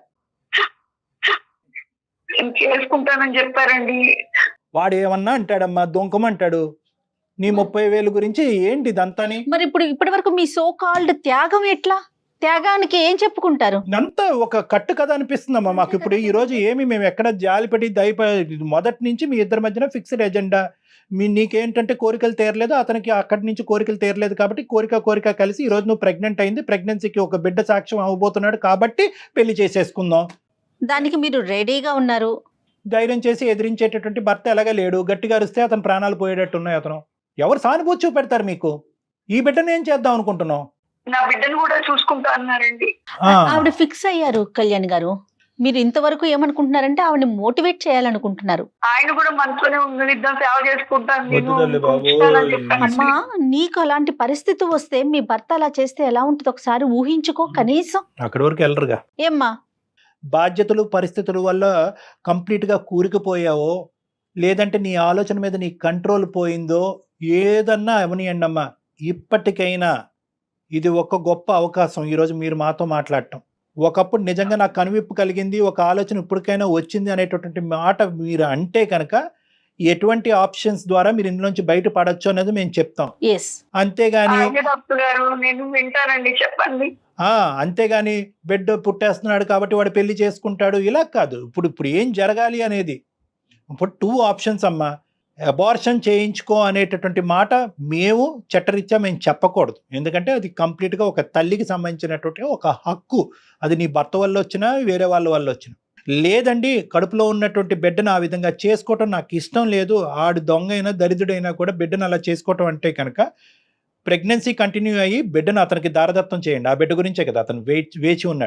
Speaker 5: నేను చేసుకుంటానని చెప్పారండి.
Speaker 2: వాడు ఏమన్నా అంటాడమ్మా, దొంకమంటాడు. నీ ముప్పై వేలు గురించి ఏంటి ఇదంతాని?
Speaker 3: మరి ఇప్పుడు ఇప్పటి వరకు మీ సో కాల్డ్ త్యాగం ఎట్లా? త్యాగానికి ఏం చెప్పుకుంటారు?
Speaker 2: అంతా ఒక కట్టు కథ అనిపిస్తుందమ్మా మాకు. ఇప్పుడు ఈ రోజు ఏమి మేము ఎక్కడ జాలిపడి దయప మొదటి నుంచి మీ ఇద్దరి మధ్యన ఫిక్స్డ్ ఎజెండా. మీ నీకేంటంటే కోరికలు తీరలేదు, అతనికి అక్కడి నుంచి కోరికలు తీరలేదు కాబట్టి కోరిక కోరిక కలిసి ఈ రోజు నువ్వు ప్రెగ్నెంట్ అయింది, ప్రెగ్నెన్సీకి ఒక బిడ్డ సాక్ష్యం అవ్వబోతున్నాడు కాబట్టి పెళ్లి చేసేసుకుందాం.
Speaker 3: దానికి మీరు రెడీగా ఉన్నారు.
Speaker 2: ధైర్యం చేసి ఎదిరించేటటువంటి భర్త ఎలాగా లేడు. గట్టిగా అరిస్తే అతను ప్రాణాలు పోయేటట్టు ఉన్నాయి. అతను ఎవరు సానుభూతి చూపెడతారు మీకు? ఈ బిడ్డను ఏం చేద్దాం అనుకుంటున్నావు?
Speaker 5: నా బిడ్డను కూడా చూసుకుంటా అన్నారండి.
Speaker 2: ఆ,
Speaker 3: ఆవిడ ఫిక్స్ అయ్యారు కళ్యాణ్ గారు. మీరు ఇంతవరకు ఏమనుకుంటున్నారంటే ఆవిడని మోటివేట్ చేయాలనుకుంటున్నారు.
Speaker 5: ఆయన కూడా మనసులోనే ఉంది, ఇద్దరు సేవ చేసుకుంటాను నేను
Speaker 2: వద్దు తల్లి బాబోయ్.
Speaker 5: ఉంచుతానని చెప్పానండి.
Speaker 3: అమ్మా, నీకు అలాంటి పరిస్థితి వస్తే మీ భర్త అలా చేస్తే ఎలా ఉంటుంది ఒకసారి ఊహించుకో కనీసం.
Speaker 2: అక్కడి వరకు వెళ్ళరుగా.
Speaker 3: ఏమ్మా?
Speaker 2: బాధ్యతలు పరిస్థితుల వల్ల కంప్లీట్గా కూరుకుపోయావో, లేదంటే నీ ఆలోచన మీద నీ కంట్రోల్ పోయిందో, ఏదన్నా అవనియండి అమ్మా, ఇప్పటికైనా ఇది ఒక గొప్ప అవకాశం ఈరోజు మీరు మాతో మాట్లాడటం. ఒకప్పుడు నిజంగా నాకు కనువిప్పు కలిగింది, ఒక ఆలోచన ఇప్పటికైనా వచ్చింది అనేటటువంటి మాట మీరు అంటే కనుక ఎటువంటి ఆప్షన్స్ ద్వారా మీరు ఇందులోంచి బయటపడచ్చు అనేది మేము చెప్తాం.
Speaker 3: ఎస్.
Speaker 2: అంతేగాని
Speaker 5: ఆయన డాక్టర్ గారు నేను వింటానండి, చెప్పండి.
Speaker 2: ఆ, అంతేగాని బిడ్డ పుట్టేస్తున్నాడు కాబట్టి వాడు పెళ్లి చేసుకుంటాడు ఇలా కాదు. ఇప్పుడు ఇప్పుడు ఏం జరగాలి అనేది ఇప్పుడు టూ ఆప్షన్స్ అమ్మా. అబార్షన్ చేయించుకో అనేటటువంటి మాట మేము చట్టరీత్యా మేము చెప్పకూడదు. ఎందుకంటే అది కంప్లీట్గా ఒక తల్లికి సంబంధించినటువంటి ఒక హక్కు. అది నీ భర్త వల్ల వచ్చినా వేరే వాళ్ళ వల్ల వచ్చినా. లేదండి, కడుపులో ఉన్నటువంటి బిడ్డను ఆ విధంగా చేసుకోవటం నాకు ఇష్టం లేదు, ఆడు దొంగ అయినా దరిద్రుడైనా కూడా బిడ్డను అలా చేసుకోవటం అంటే కనుక ప్రెగ్నెన్సీ కంటిన్యూ అయ్యి బిడ్డను అతనికి దారదత్తం చేయండి. ఆ బిడ్డ గురించే కదా అతను వేచి వేచి ఉన్నాడు.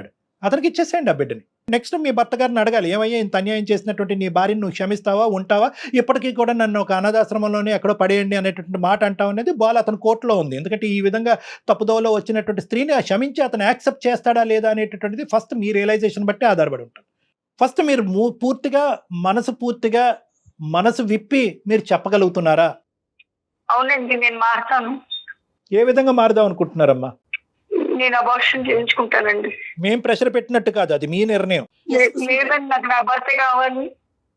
Speaker 2: అతనికి ఇచ్చేసేయండి ఆ బిడ్డని. నెక్స్ట్ మీ భర్త గారిని అడగాలి, ఏమయ్యా ఇంత అన్యాయం చేసినటువంటి నీ భార్యను నువ్వు క్షమిస్తావా, ఉంటావా, ఇప్పటికీ కూడా నన్ను ఒక అనాథాశ్రమంలోనే ఎక్కడో పడేయండి అనేటువంటి మాట అంటావు అనేది బాల్ అతని కోర్టులో ఉంది. ఎందుకంటే ఈ విధంగా తప్పుదోవలో వచ్చినటువంటి స్త్రీని క్షమించి అతను యాక్సెప్ట్ చేస్తాడా లేదా అనేటటువంటిది ఫస్ట్ మీ రియలైజేషన్ బట్టి ఆధారపడి ఉంటుంది. ఫస్ట్ మీరు మూ- పూర్తిగా మనసు పూర్తిగా మనసు విప్పి మీరు చెప్పగలుగుతున్నారా?
Speaker 5: అవునండి, నేను మారుతాను.
Speaker 2: ఏ విధంగా మారుదాం అనుకుంటున్నారమ్మా?
Speaker 5: నేను అబార్షన్ చేయించుకుంటానండి.
Speaker 2: మేం ప్రెషర్ పెట్టినట్టు కాదు, అది మీ నిర్ణయం.
Speaker 5: లే- లేదండి, నాకు నా భర్త కావాలి,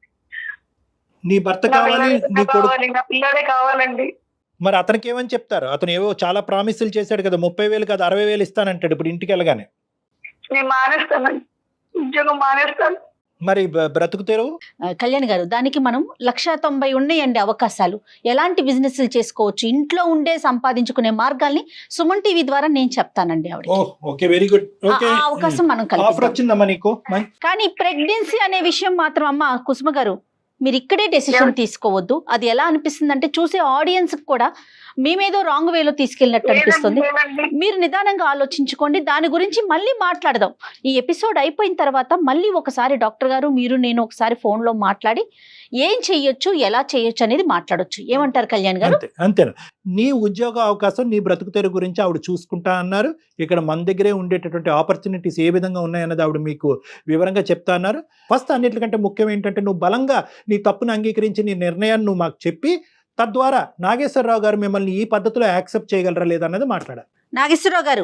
Speaker 2: నీ భర్త
Speaker 5: నా
Speaker 2: కావాలి,
Speaker 5: పిల్లడే
Speaker 2: నీ కొడుకు.
Speaker 5: కావాలి, నా పిల్లడే కావాలండి.
Speaker 2: మరి అతనికి ఏమని చెప్తారు? అతను ఏవో చాలా ప్రామిసులు చేశాడు కదా, ముప్పై వేలు కాదు అరవై వేలు ఇస్తానంటాడు ఇప్పుడు ఇంటికి వెళ్ళగానే.
Speaker 5: నేను మానేస్తానండి, ఉద్యోగం మానేస్తాను.
Speaker 2: మరి బ- బ్రతుకు తెరువు.
Speaker 3: ఆ, కళ్యాణ్ గారు, దానికి మనం లక్ష తొంభై ఉన్నాయండి అవకాశాలు. ఎలాంటి బిజినెస్లు చేసుకోవచ్చు, ఇంట్లో ఉండే సంపాదించుకునే మార్గాల్ని సుమన్ టీవీ ద్వారా నేను చెప్తానండి ఆవిడ.
Speaker 2: Oh okay, very good. Okay,
Speaker 3: అవకాశం మనం
Speaker 2: ఆఫర్
Speaker 3: కల్పిద్దాం.
Speaker 2: వచ్చిందమ్మా నీకు. మై-
Speaker 3: కానీ ప్రెగ్నెన్సీ అనే విషయం మాత్రం అమ్మ కుసుమ గారు మీరు ఇక్కడే డెసిషన్ తీసుకోవద్దు. అది ఎలా అనిపిస్తుంది అంటే చూసే ఆడియన్స్ కూడా మేమేదో రాంగ్ వేలో తీసుకెళ్ళినట్టు అనిపిస్తుంది.
Speaker 5: లేదండి,
Speaker 3: మీరు నిదానంగా ఆలోచించుకోండి, దాని గురించి మళ్ళీ మాట్లాడదాం. ఈ ఎపిసోడ్ అయిపోయిన తర్వాత మళ్ళీ ఒకసారి డాక్టర్ గారు మీరు నేను ఒకసారి ఫోన్లో మాట్లాడి ఏం చెయ్యొచ్చు ఎలా చేయొచ్చు అనేది మాట్లాడొచ్చు. ఏమంటారు కళ్యాణ్ గారు?
Speaker 2: అంతే అంతేనా. నీ ఉద్యోగ అవకాశం నీ బ్రతుకు తెరువు గురించి ఆవిడ చూసుకుంటా అన్నారు. ఇక్కడ మన దగ్గరే ఉండేటటువంటి ఆపర్చునిటీస్ ఏ విధంగా ఉన్నాయన్నది ఆవిడ మీకు వివరంగా చెప్తా అన్నారు. ఫస్ట్ అన్నిటికంటే ముఖ్యం ఏంటంటే నువ్వు బలంగా నీ తప్పును అంగీకరించి నీ నిర్ణయాన్ని నువ్వు మాకు చెప్పి తద్వారా నాగేశ్వరరావు గారు మిమ్మల్ని ఈ పద్ధతిలో యాక్సెప్ట్ చేయగలరా లేదా అన్నది మాట్లాడాలి.
Speaker 3: నాగేశ్వరరావు గారు,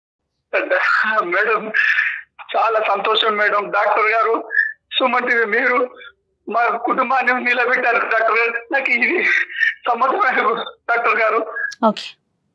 Speaker 1: మేడం చాలా సంతోషం మేడం. డాక్టర్ గారు, సుమన్ టీవీ మీరు మా కుటుంబాన్ని నిలబెట్టారు డాక్టర్ గారు. నాకు ఇది సమ్మతమైన డాక్టర్ గారు.
Speaker 3: ఓకే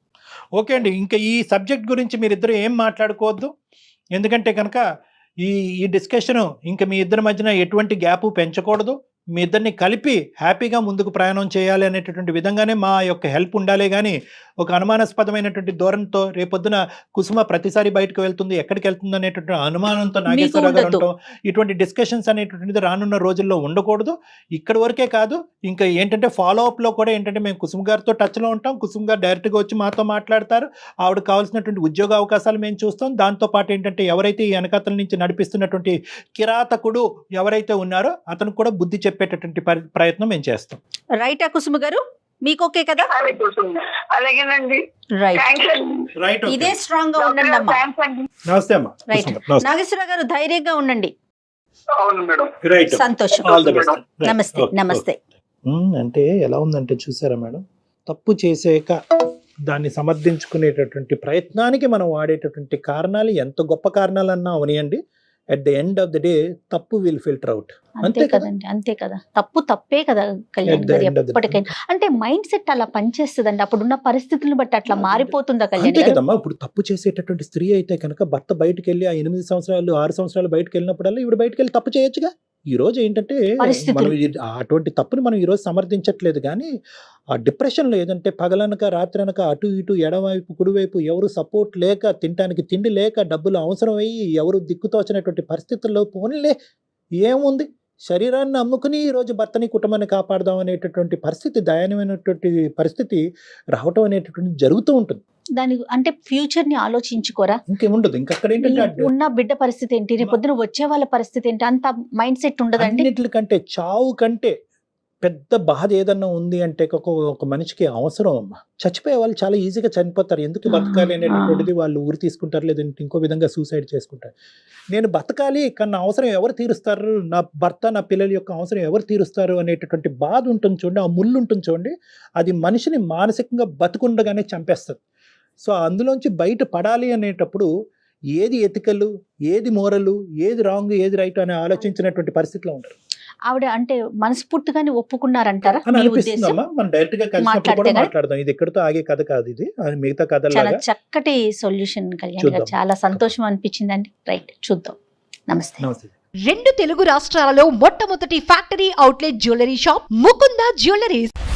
Speaker 2: ఓకే అండి, ఇంకా ఈ సబ్జెక్ట్ గురించి మీరిద్దరు ఏం మాట్లాడుకోవద్దు. ఎందుకంటే కనుక ఈ ఈ డిస్కషను ఇంకా మీ ఇద్దరి మధ్యన ఎటువంటి గ్యాప్ పెంచకూడదు. మీ ఇద్దరిని కలిపి హ్యాపీగా ముందుకు ప్రయాణం చేయాలి అనేటటువంటి విధంగానే మా యొక్క హెల్ప్ ఉండాలి. కానీ ఒక అనుమానాస్పదమైనటువంటి ధోరణితో రేపొద్దున కుసుమ ప్రతిసారి బయటకు వెళ్తుంది, ఎక్కడికి వెళ్తుంది అనేటువంటి అనుమానంతో నాగేశ్వరరావు గారు
Speaker 3: ఉండదు.
Speaker 2: ఉంటాం. ఇటువంటి డిస్కషన్స్ అనేటువంటిది రానున్న రోజుల్లో ఉండకూడదు. ఇక్కడి వరకే కాదు, ఇంకా ఏంటంటే ఫాలో అప్లో కూడా ఏంటంటే మేము కుసుమ గారితో టచ్లో ఉంటాం. కుసుమ గారు డైరెక్ట్గా వచ్చి మాతో మాట్లాడతారు. ఆవిడకి కావాల్సినటువంటి ఉద్యోగ అవకాశాలు మేము చూస్తాం. దాంతోపాటు ఏంటంటే ఎవరైతే ఈ వెనకాతల నుంచి నడిపిస్తున్నటువంటి కిరాతకుడు ఎవరైతే ఉన్నారో అతను కూడా బుద్ధి చెప్పేటటువంటి పరి- ప్రయత్నం మేము చేస్తాం.
Speaker 3: రైటా కుసుమ గారు, మీకు ఓకే కదా?
Speaker 5: అలాగేనండి,
Speaker 3: రైట్,
Speaker 5: థ్యాంక్స్ అండి.
Speaker 2: రైట్,
Speaker 3: ఇదే స్ట్రాంగ్ గా ఉండండి అమ్మా.
Speaker 5: థ్యాంక్స్ అండి.
Speaker 2: నమస్తే అమ్మా.
Speaker 3: రైట్,
Speaker 2: కుసుమ గారు, నమస్తే.
Speaker 3: నాగేశ్వరరావు గారు ధైర్యంగా ఉండండి.
Speaker 1: అవును మేడం.
Speaker 2: రైట్,
Speaker 3: సంతోషం.
Speaker 2: All the best. రైట్,
Speaker 3: నమస్తే
Speaker 2: ఓకే,
Speaker 3: నమస్తే.
Speaker 2: ఉమ్, అంటే ఎలా ఉందంటే చూసారా మేడం, తప్పు చేసాక దాన్ని సమర్థించుకునేటటువంటి ప్రయత్నానికి మనం వాడేటటువంటి కారణాలు ఎంత గొప్ప కారణాలన్నా అవనియండి, at the end of the day తప్పు విల్ ఫిల్టర్ అవుట్.
Speaker 3: అంతే
Speaker 2: అంతే కదా?
Speaker 3: కదండి, అంతే కదా. తప్పు తప్పే కదా కళ్యాణ్
Speaker 2: At the
Speaker 3: గారు
Speaker 2: end of the day.
Speaker 3: ఎప్పటికైనా. అంటే మైండ్ సెట్ అలా పనిచేస్తుందండి, అప్పుడున్న పరిస్థితులను బట్టి అట్లా మారిపోతుందా కళ్యాణ్
Speaker 2: అంతే
Speaker 3: గారు?
Speaker 2: కదమ్మా. ఇప్పుడు తప్పు చేసేటటువంటి స్త్రీ అయితే కనుక భర్త బయటకు వెళ్ళి ఆ ఎనిమిది సంవత్సరాలు ఆరు సంవత్సరాలు బయటకు వెళ్ళినప్పుడల్లా ఇవి బయటకు వెళ్ళి తప్పు చేయొచ్చుగా. ఈ రోజు ఏంటంటే
Speaker 3: పరిస్థితులు.
Speaker 2: మనం ఇది- అటువంటి తప్పుని మనం ఈ రోజు సమర్థించట్లేదు. కానీ ఆ డిప్రెషన్లో ఏదంటే పగలనక రాత్రనక అటు ఇటు ఎడవైపు కుడివైపు ఎవరు సపోర్ట్ లేక, తినడానికి తిండి లేక, డబ్బులు అవసరం అయ్యి ఎవరు దిక్కుతోచినటువంటి పరిస్థితుల్లో పోనీలే ఏముంది శరీరాన్ని అమ్ముకుని ఈ రోజు భర్తని కుటుంబాన్ని కాపాడదాం అనేటటువంటి పరిస్థితి, దయనీయమైనటువంటి పరిస్థితి రావటం అనేటటువంటి జరుగుతూ ఉంటుంది.
Speaker 3: దాని అంటే ఫ్యూచర్ ని ఆలోచించుకోరా?
Speaker 2: ఇంకేముండదు. ఇంకక్కడ ఏంటంటే
Speaker 3: ఈ ఉన్న బిడ్డ పరిస్థితి ఏంటి, రేపు పొద్దున వచ్చే వాళ్ళ పరిస్థితి ఏంటి, అంత మైండ్ సెట్ ఉండదండి.
Speaker 2: అన్నిటికంటే చావు కంటే పెద్ద బాధ ఏదన్నా ఉంది అంటే ఒక ఒక మనిషికి అవసరం అమ్మా. చచ్చిపోయే వాళ్ళు చాలా ఈజీగా చనిపోతారు. ఎందుకు బతకాలి అనేటటువంటిది వాళ్ళు ఊరి తీసుకుంటారు, లేదంటే ఇంకో విధంగా సూసైడ్ చేసుకుంటారు. నేను బతకాలి కానీ నా అవసరం ఎవరు తీరుస్తారు, నా భర్త నా పిల్లల యొక్క అవసరం ఎవరు తీరుస్తారు అనేటటువంటి బాధ ఉంటుంది చూడండి, ఆ ముళ్ళు ఉంటుంది చూడండి, అది మనిషిని మానసికంగా బతుకుండగానే చంపేస్తుంది. సో అందులోంచి బయట పడాలి అనేటప్పుడు ఏది ఎతికలు, ఏది మోరలు, ఏది రాంగ్, ఏది రైట్ అని ఆలోచించినటువంటి పరిస్థితిలో ఉంటారు.
Speaker 3: ఆవిడ అంటే మనస్ఫూర్తిగానే ఒప్పుకున్నారంటారా
Speaker 2: అని
Speaker 3: మీ
Speaker 2: అనిపిస్తుంది
Speaker 3: ఉద్దేశం?
Speaker 2: అమ్మా. మనం డైరెక్ట్ గా కలిసినప్పుడు
Speaker 3: మాట్లాడితే
Speaker 2: కూడా
Speaker 3: కదా?
Speaker 2: మాట్లాడదాం. ఇది ఎక్కడితో ఆగే కథ కాదు, ఇది అది మిగతా
Speaker 3: చాలా
Speaker 2: కథలాగా.
Speaker 3: చక్కటి సొల్యూషన్ కళ్యాణ్ గారు,
Speaker 2: చూద్దాం.
Speaker 3: చాలా సంతోషం అనిపించిందండి. రైట్, చూద్దాం. నమస్తే.
Speaker 2: నమస్తే.
Speaker 4: రెండు తెలుగు రాష్ట్రాలలో మొట్టమొదటి factory outlet jewellery shop Mukunda jewelleries.